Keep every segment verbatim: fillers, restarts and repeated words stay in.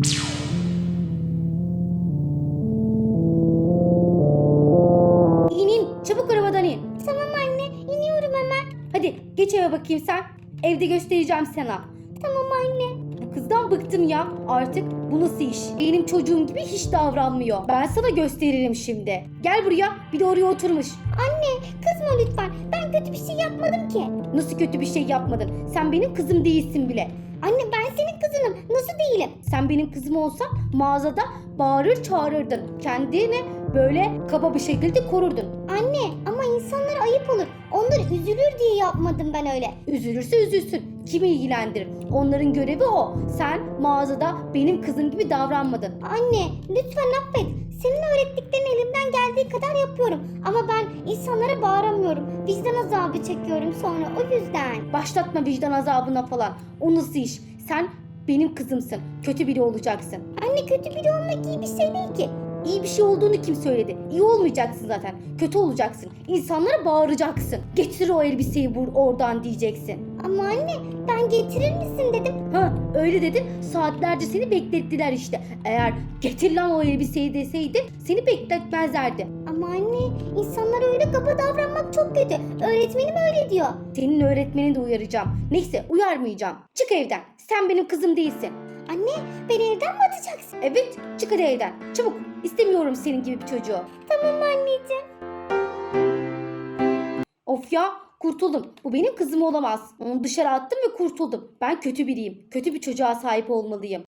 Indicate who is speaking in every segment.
Speaker 1: İn in, çabuk arabadan in.
Speaker 2: Tamam anne, iniyorum hemen.
Speaker 1: Hadi geç eve bakayım sen. Evde göstereceğim sana.
Speaker 2: Tamam anne.
Speaker 1: Bu kızdan bıktım ya. Artık bu nasıl iş? Benim çocuğum gibi hiç davranmıyor. Ben sana gösteririm şimdi. Gel buraya. Bir de oraya oturmuş.
Speaker 2: Anne, kızma lütfen. Ben kötü bir şey yapmadım ki.
Speaker 1: Nasıl kötü bir şey yapmadın? Sen benim kızım değilsin bile.
Speaker 2: Anne ben senin kızınım. Nasıl değilim?
Speaker 1: Sen benim kızım olsan mağazada bağırır çağırırdın. Kendini böyle kaba bir şekilde korurdun.
Speaker 2: Anne ama insanlara ayıp olur. Onlar üzülür diye yapmadım ben öyle.
Speaker 1: Üzülürse üzülsün. Kimi ilgilendirir? Onların görevi o. Sen mağazada benim kızım gibi davranmadın.
Speaker 2: Anne lütfen affet. Senin öğrettiklerin elimden geldiği kadar yapıyorum. Ama ben insanlara bağıramıyorum. Vicdan azabı çekiyorum sonra o yüzden.
Speaker 1: Başlatma vicdan azabına falan. O nasıl iş? Sen benim kızımsın. Kötü biri olacaksın.
Speaker 2: Anne kötü biri olmak iyi bir şey değil ki.
Speaker 1: İyi bir şey olduğunu kim söyledi? İyi olmayacaksın zaten. Kötü olacaksın. İnsanlara bağıracaksın. Getir o elbiseyi bur oradan diyeceksin.
Speaker 2: Ama anne ben getirir misin dedim.
Speaker 1: Ha öyle dedin. Saatlerce seni beklettiler işte. Eğer getir lan o elbiseyi deseydin seni bekletmezlerdi.
Speaker 2: Ama anne insanlara öyle kaba davranmak çok kötü. Öğretmenim öyle diyor.
Speaker 1: Senin öğretmeni de uyaracağım. Neyse uyarmayacağım. Çık evden. Sen benim kızım değilsin.
Speaker 2: Anne beni evden mi atacaksın?
Speaker 1: Evet çık hadi evden. Çabuk. İstemiyorum senin gibi bir çocuğu.
Speaker 2: Tamam anneciğim.
Speaker 1: Of ya kurtuldum. Bu benim kızım olamaz. Onu dışarı attım ve kurtuldum. Ben kötü biriyim. Kötü bir çocuğa sahip olmalıyım.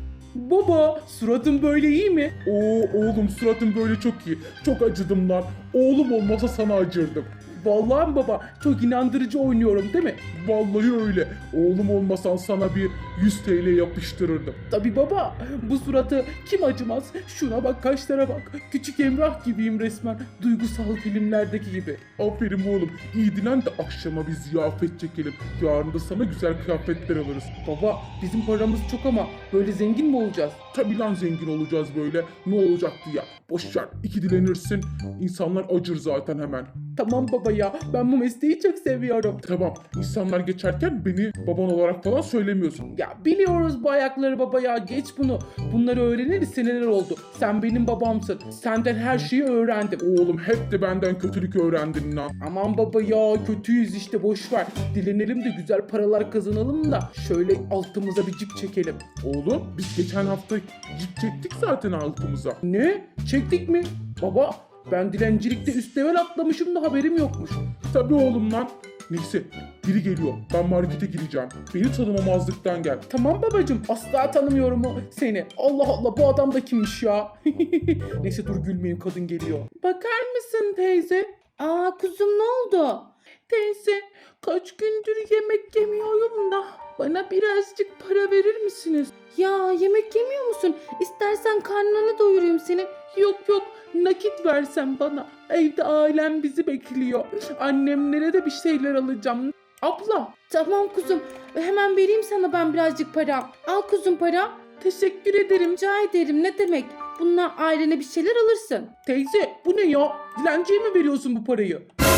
Speaker 3: Baba, suratın böyle iyi mi? Oo oğlum, suratın böyle çok iyi. Çok acıdım lan. Oğlum olmasa sana acırdım. Vallahi mi baba? Çok inandırıcı oynuyorum değil mi? Vallahi öyle. Oğlum olmasan sana bir yüz T L yapıştırırdım. Tabi baba, bu suratı kim acımaz? Şuna bak, kaşlara bak. Küçük Emrah gibiyim resmen. Duygusal filmlerdeki gibi. Aferin oğlum. İyi dilen de akşama bir ziyafet çekelim. Yarın da sana güzel kıyafetler alırız. Baba, bizim paramız çok ama böyle zengin mi olacağız? Tabi lan zengin olacağız böyle. Ne olacaktı ya? Boş ver. İki dilenirsin. İnsanlar acır zaten hemen. Tamam baba ya. Ben bu mesleği çok seviyorum. Tamam. İnsanlar geçerken beni baban olarak falan söylemiyorsun. Ya biliyoruz bu ayakları baba ya. Geç bunu. Bunları öğreneli seneler oldu. Sen benim babamsın. Senden her şeyi öğrendim. Oğlum hep de benden kötülük öğrendin lan. Aman baba ya, kötüyüz işte, boş ver. Dilenelim de güzel paralar kazanalım da şöyle altımıza bir cip çekelim. Oğlum biz geçen hafta cip çektik zaten altımıza. Ne? Çektik mi? Baba ben dilencilikte üst level atlamışım da haberim yokmuş. Tabii oğlum lan. Neyse biri geliyor. Ben markete gireceğim. Beni tanımamazlıktan gel. Tamam babacığım. Asla tanımıyorum o seni. Allah Allah, bu adam da kimmiş ya? Neyse dur gülmeyin, kadın geliyor. Bakar mısın teyze?
Speaker 1: Aa kuzum ne oldu?
Speaker 3: Teyze kaç gündür yemek yemiyorum da bana birazcık para verir misiniz?
Speaker 1: Ya yemek yemiyor musun? İstersen karnını doyurayım senin.
Speaker 3: Yok yok, nakit versen bana. Evde ailem bizi bekliyor. Annemlere de bir şeyler alacağım. Abla
Speaker 1: Tamam kuzum. Hemen vereyim sana ben birazcık para. Al kuzum para.
Speaker 3: teşekkür ederim.
Speaker 1: Rica ederim ne demek. Bununla ailene bir şeyler alırsın.
Speaker 3: Teyze bu ne ya? Dilenciye mi veriyorsun bu parayı?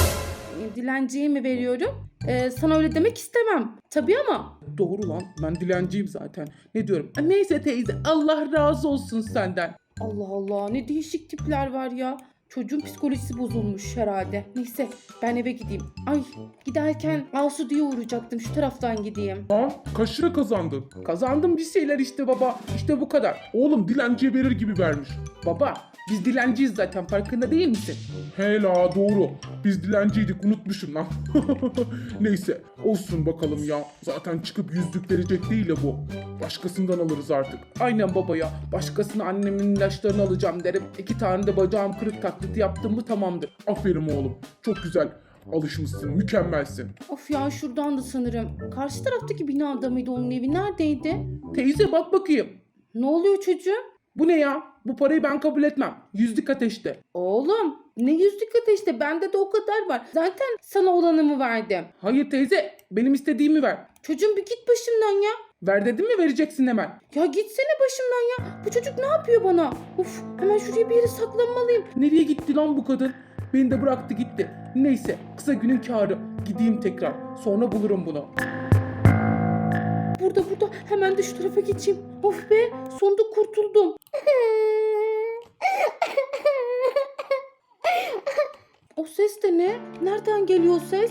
Speaker 1: Dilenciye mi veriyorum? Ee, sana öyle demek istemem. Tabii ama.
Speaker 3: Doğru lan, ben dilenciyim zaten. Ne diyorum? Neyse teyze, Allah razı olsun senden.
Speaker 1: Allah Allah ne değişik tipler var ya. Çocuğun psikolojisi bozulmuş herhalde. Neyse ben eve gideyim. Ay giderken Asu diye uğrayacaktım. Şu taraftan gideyim.
Speaker 3: Ha? Kaç lira kazandın? Kazandım bir şeyler işte baba. İşte bu kadar. Oğlum dilenciye verir gibi vermiş. Baba biz dilenciyiz zaten, farkında değil misin? Hela doğru. Biz dilenciydik, unutmuşum lan. Neyse olsun bakalım ya. Zaten çıkıp yüzlük verecek değil ya bu. Başkasından alırız artık. Aynen baba ya. Başkasına annemin ilaçlarını alacağım derim. İki tane de bacağım kırık taklidi yaptım mı tamamdır. Aferin oğlum. Çok güzel. Alışmışsın. Mükemmelsin.
Speaker 1: Of ya şuradan da sanırım. Karşı taraftaki binada mıydı onun evi? Neredeydi?
Speaker 3: Teyze bak bakayım.
Speaker 1: Ne oluyor çocuğum?
Speaker 3: Bu ne ya? Bu parayı ben kabul etmem. Yüzlük ateşte.
Speaker 1: Oğlum ne yüzlük ateşte bende de o kadar var. Zaten sana olanımı verdim.
Speaker 3: Hayır teyze, benim istediğimi ver.
Speaker 1: Çocuğum bir git başımdan ya.
Speaker 3: Ver dedim mi, vereceksin hemen.
Speaker 1: Ya gitsene başımdan ya. Bu çocuk ne yapıyor bana? Uf hemen şuraya bir yere saklanmalıyım.
Speaker 3: Nereye gitti lan bu kadın? Beni de bıraktı gitti. Neyse, kısa günün kârı. Gideyim tekrar. Sonra bulurum bunu.
Speaker 1: burada burada. Hemen de şu tarafa geçeyim. Of be, sonunda kurtuldum. O ses de ne? Nereden geliyor ses?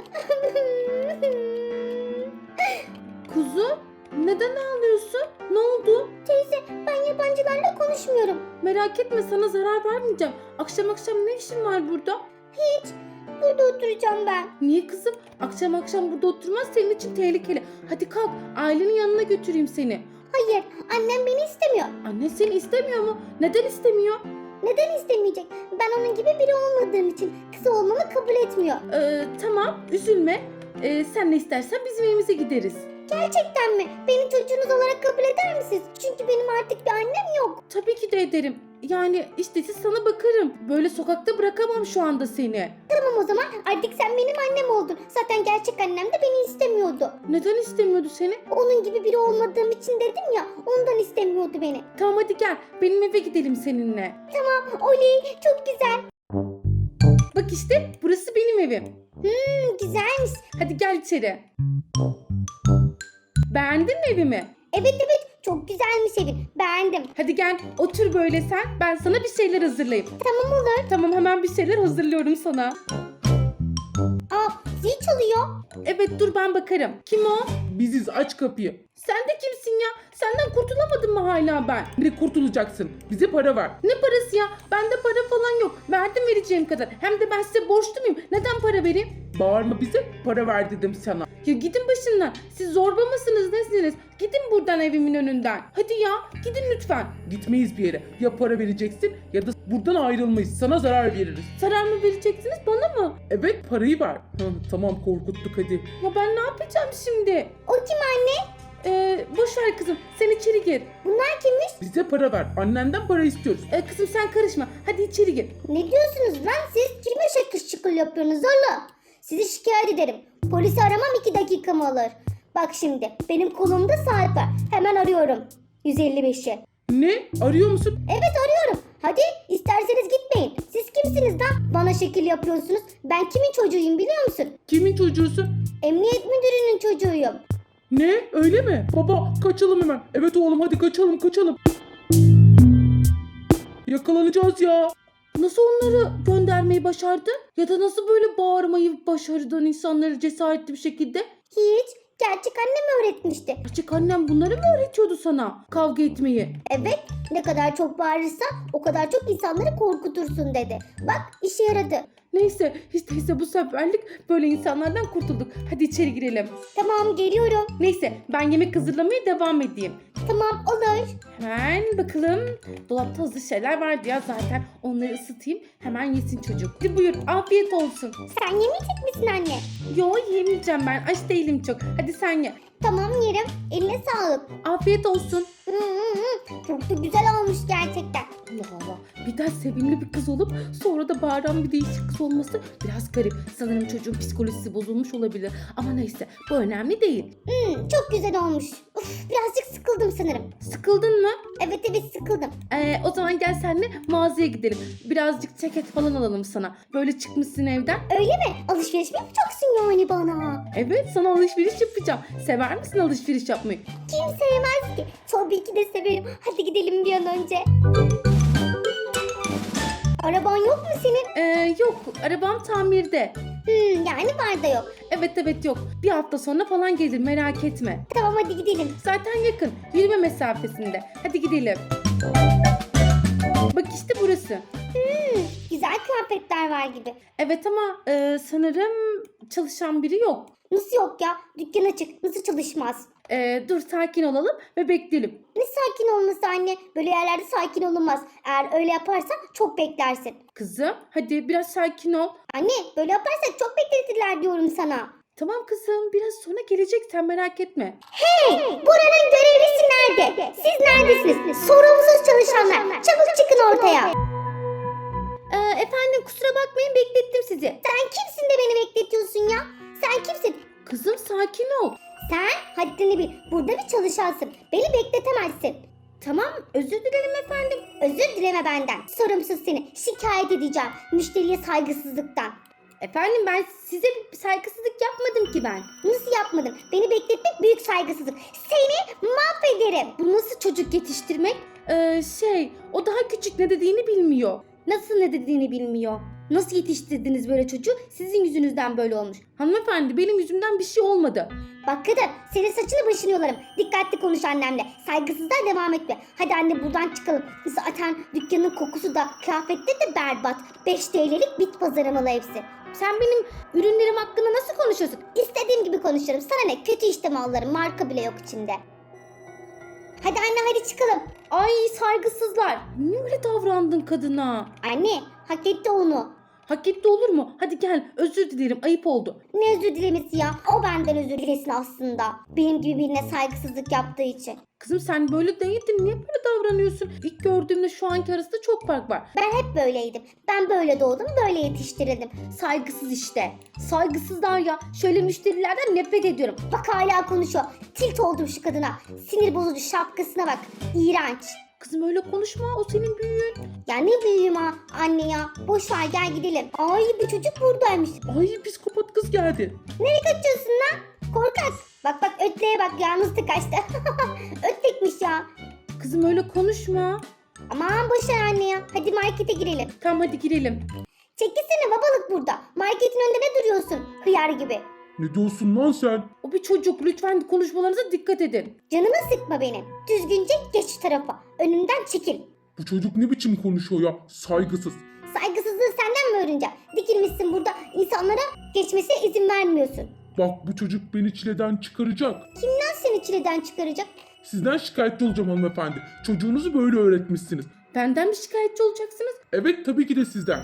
Speaker 1: Kuzum, neden ağlıyorsun? Ne oldu?
Speaker 2: Teyze, ben yabancılarla konuşmuyorum.
Speaker 1: Merak etme, sana zarar vermeyeceğim. Akşam akşam ne işin var burada?
Speaker 2: Hiç. Burada oturacağım ben.
Speaker 1: Niye kızım? Akşam akşam burada oturmaz, senin için tehlikeli. Hadi kalk, ailenin yanına götüreyim seni.
Speaker 2: Hayır, annem beni istemiyor.
Speaker 1: Anne seni istemiyor mu? Neden istemiyor?
Speaker 2: Neden istemeyecek? Ben onun gibi biri olmadığım için kız olmamı kabul etmiyor.
Speaker 1: Ee, tamam, üzülme. Ee, sen ne istersen bizim evimize gideriz.
Speaker 2: Gerçekten mi? Beni çocuğunuz olarak kabul eder misiniz? Çünkü benim artık bir annem yok.
Speaker 1: Tabii ki de ederim. Yani işte siz sana bakarım. Böyle sokakta bırakamam şu anda seni.
Speaker 2: Tamam o zaman artık sen benim annem oldun. Zaten gerçek annem de beni istemiyordu.
Speaker 1: Neden istemiyordu seni?
Speaker 2: Onun gibi biri olmadığım için dedim ya, ondan istemiyordu beni.
Speaker 1: Tamam hadi gel, benim eve gidelim seninle.
Speaker 2: Tamam, oley, çok güzel.
Speaker 1: Bak işte burası benim evim.
Speaker 2: Hmm, güzelmiş.
Speaker 1: Hadi gel içeri. Beğendin mi evimi?
Speaker 2: Evet evet, çok güzelmiş evin. Beğendim.
Speaker 1: Hadi gel otur böyle sen. Ben sana bir şeyler hazırlayayım.
Speaker 2: Tamam olur.
Speaker 1: Tamam, hemen bir şeyler hazırlıyorum sana.
Speaker 2: Aa, zil çalıyor.
Speaker 1: Evet dur, ben bakarım. Kim o?
Speaker 3: Biziz, aç kapıyı.
Speaker 1: Sen de kimsin ya? Senden kurtulamadım mı hala ben?
Speaker 3: Ne kurtulacaksın? Bize para ver.
Speaker 1: Ne parası ya? Bende para falan yok. Verdim vereceğim kadar. Hem de ben size borçlu muyum? Neden para vereyim?
Speaker 3: Bağırma bize, para ver dedim sana.
Speaker 1: Ya gidin başından. Siz zorba mısınız nesiniz? Gidin buradan evimin önünden. Hadi ya gidin lütfen.
Speaker 3: Gitmeyiz bir yere. Ya para vereceksin ya da buradan ayrılmayız. Sana zarar veririz.
Speaker 1: Zarar mı vereceksiniz bana mı?
Speaker 3: Evet, parayı ver. Hı, tamam, korkuttuk hadi.
Speaker 1: Ya ben ne yapacağım şimdi?
Speaker 2: O kim anne?
Speaker 1: Ee, boş ver kızım. Sen içeri gir.
Speaker 2: Bunlar kimmiş?
Speaker 3: Bize para ver. Annenden para istiyoruz.
Speaker 1: Ee, kızım sen karışma. Hadi içeri gir.
Speaker 2: Ne diyorsunuz lan siz? Kime şakır şıkır yapıyorsunuz oğlum? Sizi şikayet ederim. Polisi aramam iki dakikamı alır. Bak şimdi benim kolumda saat var. Hemen arıyorum. yüz elli beşi.
Speaker 3: Ne? Arıyor musun?
Speaker 2: Evet arıyorum. Hadi isterseniz gitmeyin. Siz kimsiniz lan? Bana şekil yapıyorsunuz. Ben kimin çocuğuyum biliyor musun?
Speaker 3: Kimin çocuğusun?
Speaker 2: Emniyet müdürünün çocuğuyum.
Speaker 3: Ne? Öyle mi? Baba kaçalım hemen. Evet oğlum, hadi kaçalım kaçalım. Yakalanacağız ya.
Speaker 1: Nasıl onları göndermeyi başardı? Ya da nasıl böyle bağırmayı başardın insanları cesaretli bir şekilde?
Speaker 2: Hiç. Gerçek annem öğretmişti.
Speaker 1: Gerçek annem bunları mı öğretiyordu sana? Kavga etmeyi.
Speaker 2: Evet. Ne kadar çok bağırırsan o kadar çok insanları korkutursun dedi. Bak işe yaradı.
Speaker 1: Neyse işte ise bu seferlik böyle insanlardan kurtulduk. Hadi içeri girelim.
Speaker 2: Tamam geliyorum.
Speaker 1: Neyse ben yemek hazırlamaya devam edeyim.
Speaker 2: Tamam olur.
Speaker 1: Hemen bakalım. Dolapta hazır şeyler vardı ya zaten. Onları ısıtayım. Hemen yesin çocuk. Hadi buyur, afiyet olsun.
Speaker 2: Sen yemeyecek misin anne?
Speaker 1: Yo yemeyeceğim ben. Aç değilim çok. Hadi sen ye.
Speaker 2: Tamam yerim. Eline sağlık.
Speaker 1: Afiyet olsun.
Speaker 2: Hı hı hı. Çok da güzel olmuş gerçekten.
Speaker 1: Allah Allah. Birden sevimli bir kız olup sonra da bağıran bir değişik kız olması biraz garip. Sanırım çocuğun psikolojisi bozulmuş olabilir. Ama neyse bu önemli değil.
Speaker 2: Hmm, çok güzel olmuş. Uf, birazcık sıkıldım sanırım.
Speaker 1: Sıkıldın mı?
Speaker 2: Evet evet sıkıldım.
Speaker 1: Ee, o zaman gel senle mağazaya gidelim. Birazcık ceket falan alalım sana. Böyle çıkmışsın evden.
Speaker 2: Öyle mi? Alışveriş mi yapacaksın yani bana?
Speaker 1: Evet sana alışveriş yapacağım. Sever misin alışveriş yapmayı?
Speaker 2: Kim sevmez ki? Tabii ki de severim. Hadi gidelim bir an önce. Araban yok mu senin?
Speaker 1: Ee, yok arabam tamirde.
Speaker 2: Hmm, yani var da yok.
Speaker 1: Evet evet yok. Bir hafta sonra falan gelir merak etme.
Speaker 2: Tamam hadi gidelim.
Speaker 1: Zaten yakın. Yürüme mesafesinde. Hadi gidelim. Bak işte burası.
Speaker 2: Hmm, güzel kıyafetler var gibi.
Speaker 1: Evet ama e, sanırım çalışan biri yok.
Speaker 2: Nasıl yok ya? Dükkan açık. Nasıl çalışmaz?
Speaker 1: E, dur sakin olalım ve bekleyelim.
Speaker 2: Ne sakin olması anne? Böyle yerlerde sakin olunmaz. Eğer öyle yaparsan çok beklersin.
Speaker 1: Kızım hadi biraz sakin ol.
Speaker 2: Anne böyle yaparsak çok bekletirler diyorum sana.
Speaker 1: Tamam kızım biraz sonra gelecek sen merak etme.
Speaker 2: Hey! Buranın görevlisi nerede? Siz neredesiniz? Sorumsuz çalışanlar. Çabuk çıkın ortaya. Ee, efendim kusura bakmayın beklettim sizi. Sen kimsin de beni bekletiyorsun ya? Sen kimsin?
Speaker 1: Kızım sakin ol.
Speaker 2: Sen haddini bil. Burada bir çalışansın. Beni bekletemezsin. Tamam özür dilerim efendim. Özür dileme benden. Sorumsuz seni. Şikayet edeceğim. Müşteriye saygısızlıktan. Efendim ben size bir saygısızlık yapmadım ki ben. Nasıl yapmadım? Beni bekletmek büyük saygısızlık. Seni mahvederim.
Speaker 1: Bu nasıl çocuk yetiştirmek? Ee, şey, o daha küçük, ne dediğini bilmiyor.
Speaker 2: Nasıl ne dediğini bilmiyor. Nasıl yetiştirdiniz böyle çocuğu? Sizin yüzünüzden böyle olmuş.
Speaker 1: Hanımefendi, benim yüzümden bir şey olmadı.
Speaker 2: Bak kadın, senin saçını başını yolarım. Dikkatli konuş annemle. Saygısızlığa devam etme. Hadi anne buradan çıkalım. Zaten dükkanın kokusu da kıyafetleri de berbat. beş T L'lik bit pazarı malı hepsi.
Speaker 1: Sen benim ürünlerim hakkında nasıl konuşuyorsun?
Speaker 2: İstediğim gibi konuşurum. Sana ne? Kötü işte mallarım. Marka bile yok içinde. Hadi anne hadi çıkalım.
Speaker 1: Ay saygısızlar. Niye öyle davrandın kadına?
Speaker 2: Anne hak etti onu.
Speaker 1: Hak etti olur mu? Hadi gel, özür dilerim, ayıp oldu.
Speaker 2: Ne özür dilemesi ya? O benden özür dilesin aslında. Benim gibi birine saygısızlık yaptığı için.
Speaker 1: Kızım sen böyle değildin, niye böyle davranıyorsun? İlk gördüğümde şu anki arasında çok fark var.
Speaker 2: Ben hep böyleydim. Ben böyle doğdum, böyle yetiştirildim. Saygısız işte. Saygısızlar ya. Şöyle müşterilerden nefret ediyorum. Bak hala konuşuyor. Tilt oldum şu kadına. Sinir bozucu şapkasına bak. İğrenç.
Speaker 1: Kızım öyle konuşma, o senin büyüğün.
Speaker 2: Ya ne büyüğüm ha anne ya. Boş ver gel gidelim. Ay bu çocuk buradaymış.
Speaker 1: Ay psikopat kız geldi.
Speaker 2: Nereye kaçıyorsun lan? Korkak. Bak bak ötleye bak yalnız kaçtı. Ötlekmiş ya.
Speaker 1: Kızım öyle konuşma.
Speaker 2: Aman boş ver anne ya. Hadi markete girelim.
Speaker 1: Tamam hadi girelim.
Speaker 2: Çekilsene babalık burada. Marketin önünde ne duruyorsun? Hıyar gibi.
Speaker 3: Ne diyorsun lan sen?
Speaker 1: O bir çocuk, lütfen konuşmalarınıza dikkat edin.
Speaker 2: Canımı sıkma benim. Düzgünce geç şu tarafa. Önümden çekil.
Speaker 3: Bu çocuk ne biçim konuşuyor ya? Saygısız.
Speaker 2: Saygısızlığı senden mi öğreneceğim? Dikilmişsin burada insanlara geçmesine izin vermiyorsun.
Speaker 3: Bak bu çocuk beni çileden çıkaracak.
Speaker 2: Kimden seni çileden çıkaracak?
Speaker 3: Sizden şikayetçi olacağım hanımefendi. Çocuğunuzu böyle öğretmişsiniz.
Speaker 1: Benden mi şikayetçi olacaksınız?
Speaker 3: Evet tabii ki de sizden.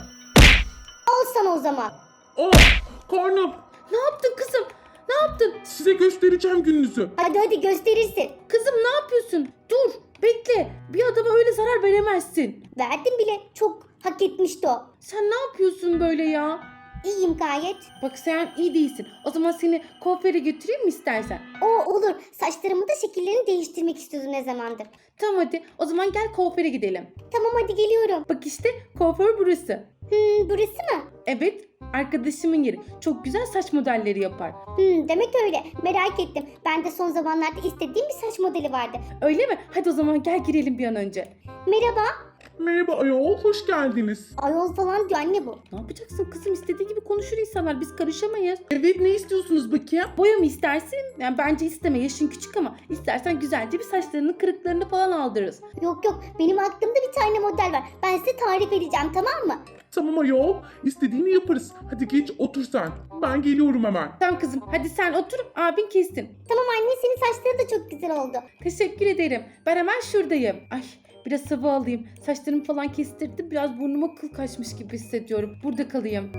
Speaker 2: Al sana o zaman.
Speaker 3: Aa karnım.
Speaker 1: Ne yaptın kızım? Ne yaptın?
Speaker 3: Size göstereceğim gününüzü.
Speaker 2: Hadi hadi gösterirsin.
Speaker 1: Kızım ne yapıyorsun? Dur, bekle. Bir adama öyle zarar veremezsin.
Speaker 2: Verdim bile. Çok hak etmişti o.
Speaker 1: Sen ne yapıyorsun böyle ya?
Speaker 2: İyiyim gayet.
Speaker 1: Bak sen iyi değilsin. O zaman seni kuaföre götüreyim mi istersen?
Speaker 2: O olur. Saçlarımı da şekillerini değiştirmek istiyordum ne zamandır.
Speaker 1: Tamam hadi. O zaman gel kuaföre gidelim.
Speaker 2: Tamam hadi geliyorum.
Speaker 1: Bak işte kuaför burası.
Speaker 2: Hmm, burası mı?
Speaker 1: Evet, arkadaşımın yeri. Çok güzel saç modelleri yapar.
Speaker 2: Hmm, demek öyle. Merak ettim. Ben de son zamanlarda istediğim bir saç modeli vardı.
Speaker 1: Öyle mi? Hadi o zaman gel girelim bir an önce.
Speaker 2: Merhaba.
Speaker 3: Merhaba ayol, hoş geldiniz.
Speaker 2: Ayol falan diyor anne bu.
Speaker 1: Ne yapacaksın kızım? İstediği gibi konuşur insanlar. Biz karışamayız.
Speaker 3: Evet, ne istiyorsunuz bakayım?
Speaker 1: Boya mı istersin? Yani bence isteme. Yaşın küçük ama istersen güzelce bir saçlarının kırıklarını falan aldırırız.
Speaker 2: Yok yok benim aklımda bir tane model var. Ben size tarif edeceğim tamam mı?
Speaker 3: Tamam ayol, istediğini yaparız. Hadi geç otur sen. Ben geliyorum hemen.
Speaker 1: Tamam kızım. Hadi sen otur. Abin kessin.
Speaker 2: Tamam anne senin saçların da çok güzel oldu.
Speaker 1: Teşekkür ederim. Ben hemen şuradayım. Ay biraz hava alayım. Saçlarımı falan kestirdim. Biraz burnuma kıl kaçmış gibi hissediyorum. Burada kalayım.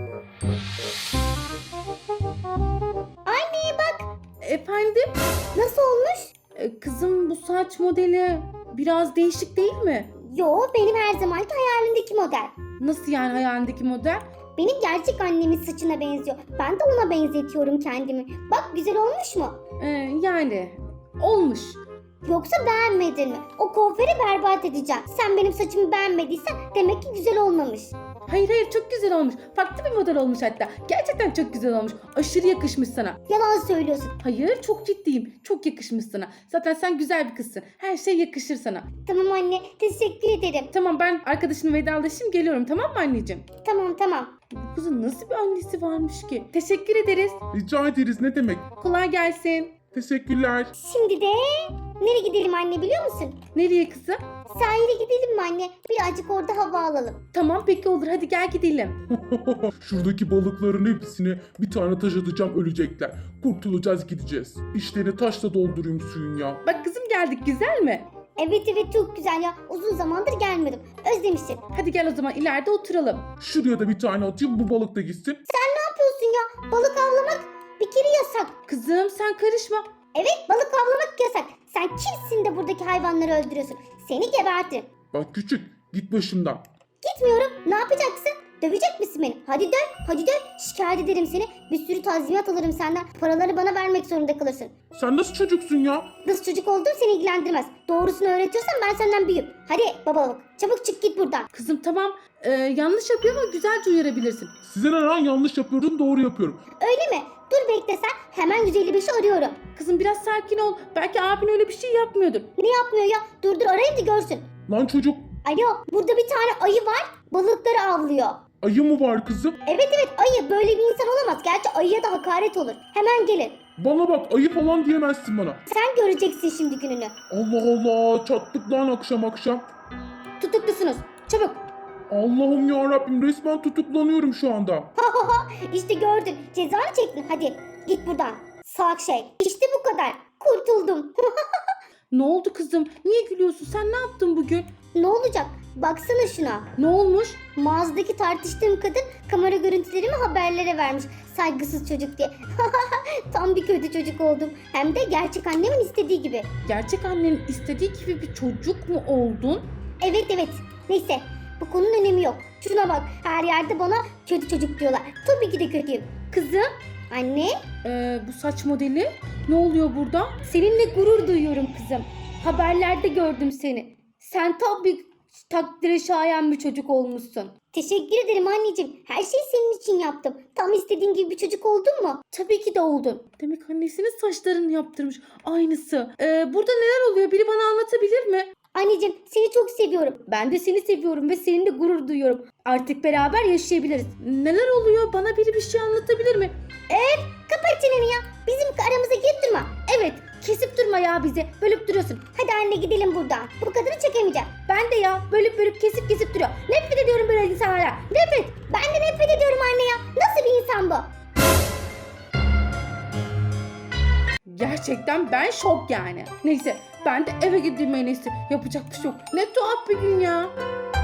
Speaker 2: Anne bak
Speaker 1: Efendim?
Speaker 2: nasıl olmuş?
Speaker 1: Ee, kızım bu saç modeli biraz değişik değil mi?
Speaker 2: Yo benim her zamanki hayalimdeki model.
Speaker 1: Nasıl yani hayalindeki model?
Speaker 2: Benim gerçek annemin saçına benziyor. Ben de ona benzetiyorum kendimi. Bak güzel olmuş mu?
Speaker 1: Ee, yani olmuş.
Speaker 2: Yoksa beğenmedin mi? O kuaförü berbat edeceğim. Sen benim saçımı beğenmediysen demek ki güzel olmamış.
Speaker 1: Hayır hayır çok güzel olmuş. Farklı bir model olmuş hatta. Gerçekten çok güzel olmuş. Aşırı yakışmış sana.
Speaker 2: Yalan söylüyorsun.
Speaker 1: Hayır çok ciddiyim. Çok yakışmış sana. Zaten sen güzel bir kızsın. Her şey yakışır sana.
Speaker 2: Tamam anne teşekkür ederim.
Speaker 1: Tamam ben arkadaşımla vedalaşayım geliyorum tamam mı anneciğim?
Speaker 2: Tamam tamam.
Speaker 1: Bu kızın nasıl bir annesi varmış ki? Teşekkür ederiz.
Speaker 3: Rica ederiz, ne demek?
Speaker 1: Kolay gelsin.
Speaker 3: Teşekkürler.
Speaker 2: Şimdi de nereye gidelim anne biliyor musun?
Speaker 1: Nereye kızım?
Speaker 2: Sahile gidelim mi anne? Birazcık orada hava alalım.
Speaker 1: Tamam peki olur hadi gel gidelim.
Speaker 3: Şuradaki balıkların hepsini bir tane taş atacağım, ölecekler. Kurtulacağız, gideceğiz. İşlerini taşla doldurayım suyun ya.
Speaker 1: Bak kızım geldik güzel mi?
Speaker 2: Evet evet çok güzel ya. Uzun zamandır gelmedim. Özlemişsin.
Speaker 1: Hadi gel o zaman ileride oturalım.
Speaker 3: Şuraya da bir tane atayım, bu balık da gitsin.
Speaker 2: Ne yapıyorsun ya? Balık avlamak bir kere yasak.
Speaker 1: Kızım sen karışma.
Speaker 2: Evet balık avlamak yasak. Sen kimsin de buradaki hayvanları öldürüyorsun? Seni gebertirim.
Speaker 3: Bak küçük, git başımdan.
Speaker 2: Gitmiyorum. Ne yapacaksın? Dövecek misin beni? Hadi dön, hadi dön. Şikayet ederim seni. Bir sürü tazminat alırım senden. Paraları bana vermek zorunda kalırsın.
Speaker 3: Sen nasıl çocuksun ya?
Speaker 2: Nasıl çocuk olduğum seni ilgilendirmez. Doğrusunu öğretiyorsan ben senden büyüğüm. Hadi babalık, çabuk çık git buradan.
Speaker 1: Kızım tamam e, yanlış yapıyor ama güzelce uyarabilirsin.
Speaker 3: Size ne lan, yanlış yapıyorum, doğru yapıyorum.
Speaker 2: Öyle mi? Dur bekle sen. Hemen yüz elli beşi arıyorum.
Speaker 1: Kızım biraz sakin ol. Belki abin öyle bir şey yapmıyordur.
Speaker 2: Ne yapmıyor ya? Dur dur arayayım da görsün.
Speaker 3: Lan çocuk,
Speaker 2: Alo, burada bir tane ayı var. Balıkları avlıyor.
Speaker 3: ayı mı var kızım?
Speaker 2: Evet evet ayı. Böyle bir insan olamaz. Gerçi ayıya da hakaret olur. Hemen gelin.
Speaker 3: Bana bak, ayı falan diyemezsin bana.
Speaker 2: Sen göreceksin şimdi gününü.
Speaker 3: Allah Allah, çattık lan akşam akşam.
Speaker 1: Tutuklusunuz. Çabuk.
Speaker 3: Allah'ım ya Rabbim, resmen tutuklanıyorum şu anda.
Speaker 2: İşte gördün. Cezanı çektin. Hadi git buradan. Salak şey. İşte bu kadar. Kurtuldum.
Speaker 1: Ne oldu kızım? Niye gülüyorsun? Sen ne yaptın bugün?
Speaker 2: Ne olacak? Baksana şuna.
Speaker 1: Ne olmuş?
Speaker 2: Mağazadaki tartıştığım kadın kamera görüntülerimi haberlere vermiş. Saygısız çocuk diye. Tam bir kötü çocuk oldum. Hem de gerçek annemin istediği gibi.
Speaker 1: Gerçek annenin istediği gibi bir çocuk mu oldun?
Speaker 2: Evet evet. Neyse. Bu konunun önemi yok. Şuna bak. Her yerde bana kötü çocuk diyorlar. Tabii ki de kötüyüm.
Speaker 1: Kızım
Speaker 2: Anne.
Speaker 1: e, bu saç modeli ne oluyor burada?
Speaker 2: Seninle gurur duyuyorum kızım. Haberlerde gördüm seni. Sen tam bir takdire şayan bir çocuk olmuşsun. Teşekkür ederim anneciğim. Her şeyi senin için yaptım. Tam istediğin gibi bir çocuk oldun mu? Tabii ki de oldun.
Speaker 1: Demek annesinin saçlarını yaptırmış. Aynısı. E, burada neler oluyor? Biri bana anlatabilir mi?
Speaker 2: Anneciğim seni çok seviyorum. Ben de seni seviyorum ve seninle gurur duyuyorum. Artık beraber yaşayabiliriz.
Speaker 1: Neler oluyor? Bana biri bir şey anlatabilir mi?
Speaker 2: Kapat çeneni ya. Bizim aramıza girip durma. Evet. Kesip durma ya bizi. Bölüp duruyorsun. Hadi anne gidelim buradan. Bu kadını çekemeyeceğim. Ben de ya. Bölüp bölüp kesip kesip duruyor. Nefret ediyorum böyle insanlara. Nefret. Ben de nefret ediyorum anne ya. Nasıl bir insan bu?
Speaker 1: Gerçekten ben şok yani. Neyse ben de eve gideyim en iyisi. Yapacak bir şey yok. Ne tuhaf bir gün ya.